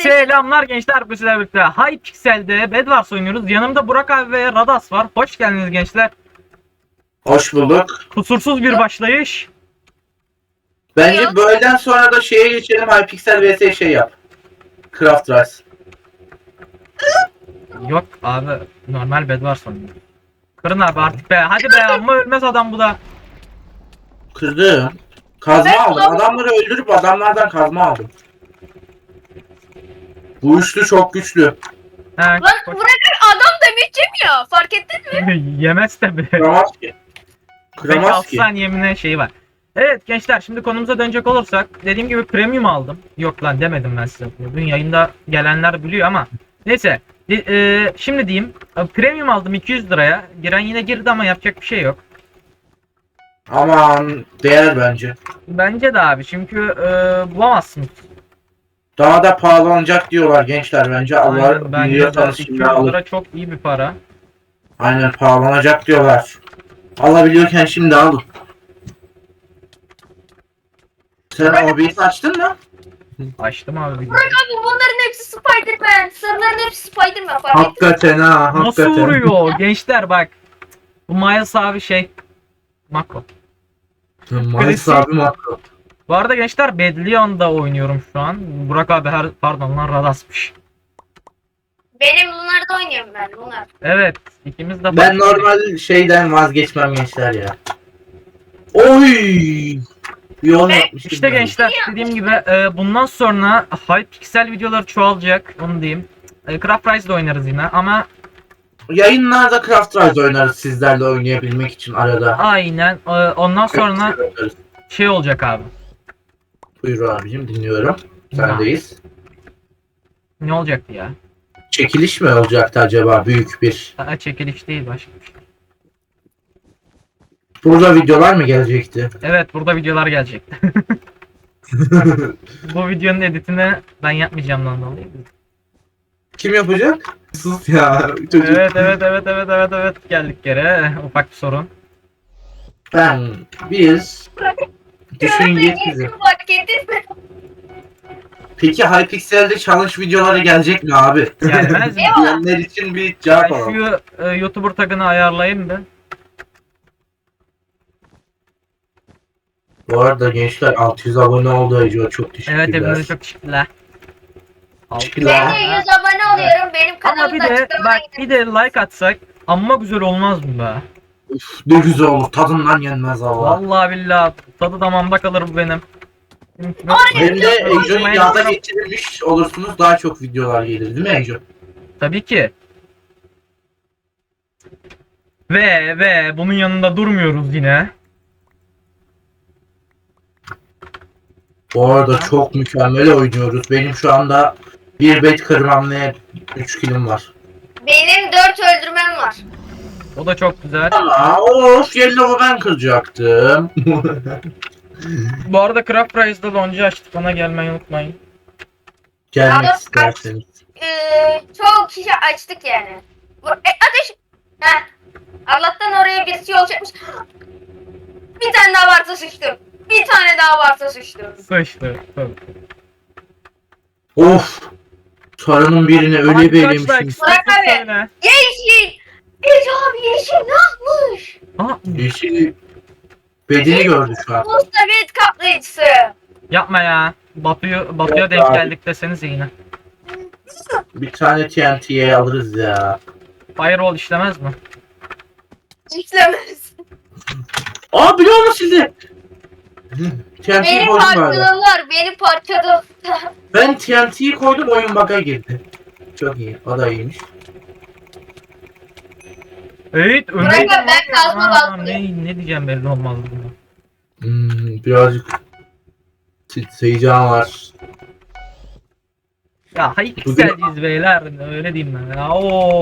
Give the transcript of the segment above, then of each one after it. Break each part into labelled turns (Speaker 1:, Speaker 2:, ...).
Speaker 1: Selamlar gençler, bu sizlerle birlikte Hypixel'de Bedwars oynuyoruz. Yanımda Burak abi ve Radas var. Hoş geldiniz gençler.
Speaker 2: Hoş bulduk.
Speaker 1: Kusursuz bir başlayış.
Speaker 2: Bence böyleden sonra da şeye geçelim. Hypixel vs şey yap. Craft Rice.
Speaker 1: Yok abi, normal Bedwars oynuyoruz. Kırın abi artık be, hadi be, amma ölmez adam bu da.
Speaker 2: Kırdım. Kazma aldım. Adamları öldürüp adamlardan kazma aldım. Bu üçlü çok güçlü.
Speaker 1: He,
Speaker 3: Lan bırakın adam demek yemiyor. Fark ettin mi?
Speaker 1: yemez tabi.
Speaker 2: Kıramaz ki.
Speaker 1: 5-6
Speaker 2: Kıramaz ki.
Speaker 1: saniyemine şeyi var. Evet gençler, şimdi konumuza dönecek olursak, dediğim gibi premium aldım. Yok lan demedim ben size. Bugün yayında gelenler biliyor ama neyse. Şimdi diyeyim, premium aldım 200 liraya. Giren yine girdi ama yapacak bir şey yok.
Speaker 2: Aman değer bence.
Speaker 1: Bence de abi, çünkü bulamazsınız.
Speaker 2: Daha da pahalanacak diyorlar gençler bence. Allah
Speaker 1: Aynen, bence de
Speaker 2: biliyorsanız
Speaker 1: 200
Speaker 2: şimdi alın.
Speaker 1: lira çok iyi bir para.
Speaker 2: Aynen pahalanacak diyorlar. Alabiliyorken şimdi alın. Sen OBS açtın mı?
Speaker 1: Açtım abi videoyu.
Speaker 3: Bırak abi bunların hepsi Spider-Man. Sarıların hepsi Spider-Man fark ettin mi?
Speaker 2: Hakikaten ha.
Speaker 1: Nasıl
Speaker 2: Hakikaten.
Speaker 1: vuruyor gençler bak. Bu Miles abi şey. Mako.
Speaker 2: Miles abi makro.
Speaker 1: Bu arada gençler Bedlion'da oynuyorum şu an. Burak abi pardon lan Radas'mış.
Speaker 3: Benim Lunar'da oynuyorum ben Lunar.
Speaker 1: Evet, ikimiz de
Speaker 2: Ben normal şeyden vazgeçmem gençler ya. Oy! Yol yapmışım.
Speaker 1: İşte
Speaker 2: ben.
Speaker 1: gençler, dediğim gibi bundan sonra Hypixel videoları çoğalacak, onu diyeyim. Craft Rise'da oynarız yine ama
Speaker 2: Yayınlarda Craft Rise oynarız sizlerle oynayabilmek için arada.
Speaker 1: aynen ondan sonra şey olacak abi.
Speaker 2: Buyur abicim dinliyorum. Sendeyiz.
Speaker 1: Ne olacaktı ya?
Speaker 2: Çekiliş mi olacaktı acaba büyük bir?
Speaker 1: Çekiliş değil, başka bir şey.
Speaker 2: Burada videolar mı gelecekti?
Speaker 1: Evet, burada videolar gelecekti. Bu videonun editini ben yapmayacağım lan dolayı.
Speaker 2: Kim yapacak? Sus ya çocuk.
Speaker 1: Evet, geldik geri. Ufak bir sorun.
Speaker 2: Biz düşün
Speaker 3: Görme
Speaker 2: yet bizi.
Speaker 3: geçtim fark ettin mi?
Speaker 2: Peki Hypixel'de challenge videoları gelecek mi abi?
Speaker 1: Gelmez mi?
Speaker 2: Diyenler için bir cevap
Speaker 1: Ben
Speaker 2: alalım.
Speaker 1: şu YouTuber tagını ayarlayayım da.
Speaker 2: Bu arada gençler 600 abone oldu Ece, çok teşekkürler.
Speaker 1: Evet, hepinize çok teşekkürler.
Speaker 2: Teşekkürler.
Speaker 3: Ben de 100 abone oluyorum. Benim
Speaker 1: Ama
Speaker 3: kanalımda
Speaker 1: bir de
Speaker 3: açıklamaya
Speaker 1: bak, bir de like atsak amma güzel olmaz mı be?
Speaker 2: Uf, ne güzel olur tadından yenmez Allah.
Speaker 1: Vallahi billahi tadı damağımda kalır bu benim.
Speaker 2: Hem de Ece'nin yağda geçirilmiş olursunuz daha çok videolar gelir değil mi Ece?
Speaker 1: Tabii ki. Ve bunun yanında durmuyoruz yine.
Speaker 2: Bu arada çok mükemmel oynuyoruz. Benim şu anda bir bet kırmam ve 3 kilim var.
Speaker 3: Benim 4 öldürmem var.
Speaker 1: O da çok güzel.
Speaker 2: Ama of Yellow'u ben kıracaktım.
Speaker 1: Bu arada Craft Rise'da lonca açtık. Ona gelmeyi unutmayın.
Speaker 2: Gelmek
Speaker 3: Abi,
Speaker 2: isterseniz.
Speaker 3: Çok kişi açtık yani. Ateş. Heh. Allah'tan oraya birisi yol çekmiş. Bir tane daha varsa sıçtım. Bir tane daha varsa sıçtım.
Speaker 1: Sıçtı. Tabii.
Speaker 2: Of. Sarının birine öyle
Speaker 1: Hadi
Speaker 2: bir
Speaker 1: kaç
Speaker 2: elemişim.
Speaker 1: like istersen
Speaker 3: Burak abi.
Speaker 1: söyle.
Speaker 3: Yeşil. Ece abi yeşil ne yapmış?
Speaker 1: Aa,
Speaker 2: Yeşil bedeni gördü şu an.
Speaker 3: Mustavet kaplayıcısı.
Speaker 1: yapma ya. Batu'ya
Speaker 2: Yok
Speaker 1: denk
Speaker 2: abi.
Speaker 1: geldik desenize yine.
Speaker 2: Bir tane TNT'ye alırız ya.
Speaker 1: Firewall işlemez mi?
Speaker 3: İşlemez.
Speaker 2: Aa biliyor musun sizi? TNT'yi
Speaker 3: Beni
Speaker 2: koydum abi.
Speaker 3: parçaladılar. Beni parçaladılar.
Speaker 2: Ben TNT'yi koydum oyun bug'a girdi. Çok iyi. O da iyiymiş.
Speaker 1: Evet,
Speaker 3: Burak abi, ben kazma bastım.
Speaker 1: ne diyeceğim belli olmaz buna.
Speaker 2: Birazcık heyecan var.
Speaker 1: Ya Hypixel'ciyiz beyler, öyle diyeyim ben. Ya,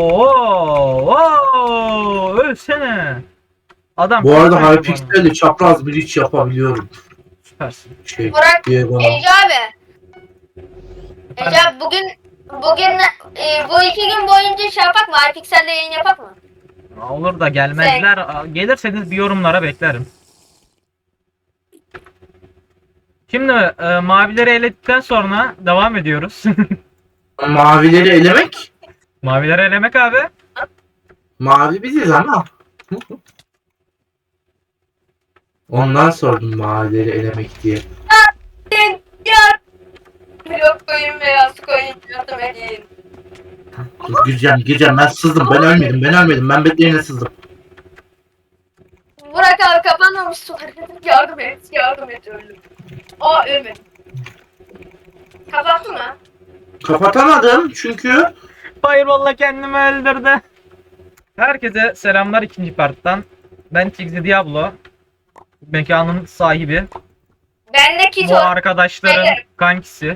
Speaker 1: ölsene. Adam
Speaker 2: Bu arada
Speaker 1: bana.
Speaker 2: Hypixel'le çapraz bir iş yapabiliyorum.
Speaker 1: Süpersin.
Speaker 2: Şey
Speaker 3: Burak,
Speaker 2: diye bana.
Speaker 3: Ece abi. Ece abi bugün bu 2 gün boyunca şey yapak mı? Hypixel'de yayın yapak mı?
Speaker 1: Olur da gelmezler. Gelirseniz bir yorumlara beklerim. Şimdi mavileri eledikten sonra devam ediyoruz.
Speaker 2: Mavileri elemek.
Speaker 1: Mavileri elemek abi.
Speaker 2: Mavi biziz ama. Ondan sordum mavileri elemek diye.
Speaker 3: Ya. Blok koyun beyaz koyun yardım edin.
Speaker 2: Dur, gireceğim ben sızdım, ben ölmedim, ben bekleyene sızdım.
Speaker 3: Burak abi kapanmamış sular. Yardım et öldüm. Aa ölmedim. Kapattı mı?
Speaker 2: Kapatamadım çünkü
Speaker 1: Fireball'la kendimi öldürdü. Herkese selamlar ikinci parttan. Ben Tigzi Diablo. Mekanın sahibi.
Speaker 3: Ben de kit
Speaker 1: Bu arkadaşların
Speaker 3: Hayır.
Speaker 1: kankisi.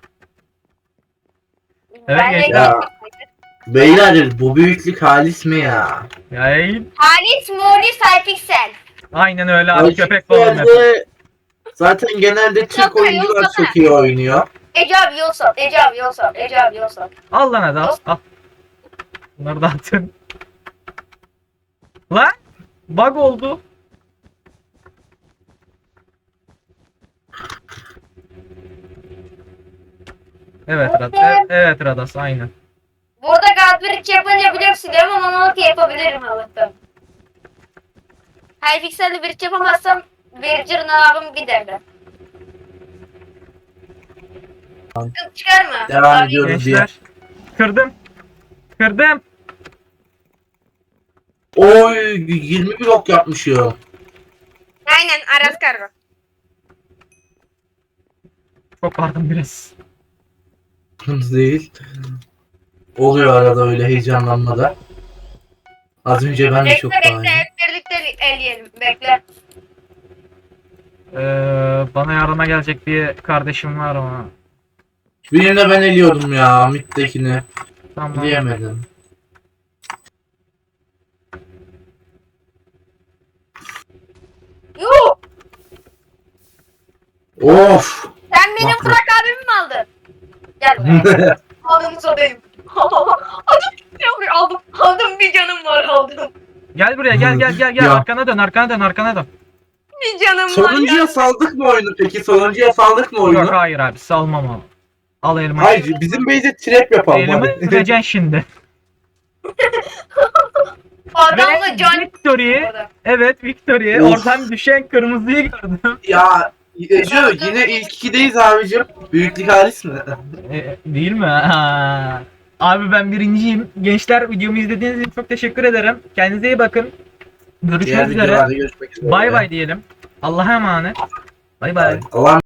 Speaker 1: Evet,
Speaker 3: Ben de
Speaker 1: gençler.
Speaker 2: Ya. beyler bu büyüklük halis mi ya?
Speaker 1: Yay.
Speaker 3: Halis Mori Cypixel.
Speaker 1: Aynen öyle abi,
Speaker 2: Halis
Speaker 1: köpek balığı map.
Speaker 2: yerde zaten genelde Türk
Speaker 3: Yok,
Speaker 2: oyuncular
Speaker 3: yok,
Speaker 2: çok iyi oynuyor.
Speaker 3: Ece abi yol sal.
Speaker 1: Al lan hadi al. Bunları da atın. Lan bug oldu. Evet Radas aynen.
Speaker 3: Burada Godbridge yapınca biliyorsun değil mi? Monolog yapabilirim Allah'tan. Hypixel'li bridge yapamazsam Verger nabım giderdi. Sıkıntı çıkarma.
Speaker 2: Devam
Speaker 3: Abi,
Speaker 2: ediyoruz diye.
Speaker 1: Gençler. Kırdım.
Speaker 2: Oy 20 blok yapmışım.
Speaker 3: Aynen Aras kargo.
Speaker 1: Çok pardon biraz.
Speaker 2: Değil. Oluyor arada öyle heyecanlanmada. Az önce ben de çok
Speaker 3: Bekle
Speaker 2: daha
Speaker 3: hep birlikte eleyelim. Bekle.
Speaker 1: Bana yardıma gelecek bir kardeşim var ama.
Speaker 2: Birini de ben eliyordum ya Mid'dekini.
Speaker 1: Tamam.
Speaker 2: Diyemedim.
Speaker 3: Yuh!
Speaker 2: Of.
Speaker 3: Sen benim
Speaker 2: Bak.
Speaker 3: Burak abimi mi aldın? Gel buraya. Aldım sadayım. Aldım bir canım var aldım.
Speaker 1: Gel buraya gel.
Speaker 2: Ya.
Speaker 1: Arkana dön.
Speaker 3: Bir canım var.
Speaker 2: Sonuncuya saldık mı oyunu peki? Sonuncuya saldık mı
Speaker 1: Yok
Speaker 2: oyunu?
Speaker 1: hayır abi, salmam abi. Al elmayı.
Speaker 2: Hayır bizim base'e trap yapalım.
Speaker 1: Elimi
Speaker 2: hadi.
Speaker 1: öpeceksin şimdi.
Speaker 3: Adamla
Speaker 1: Ve
Speaker 3: can.
Speaker 1: Victory. Evet Victory.
Speaker 2: Of.
Speaker 1: Oradan düşen kırmızıyı gördüm.
Speaker 2: Ya Ece yine ilk ikideyiz abicim. Büyüklük halis mi?
Speaker 1: Değil mi? Ha. Abi ben birinciyim. Gençler, videomu izlediğiniz için çok teşekkür ederim. Kendinize iyi bakın.
Speaker 2: Diğer
Speaker 1: Görüşmek üzere.
Speaker 2: videolarda görüşmek üzere.
Speaker 1: Bay bay diyelim. Allah'a emanet. Bay bay.
Speaker 2: Allah'ım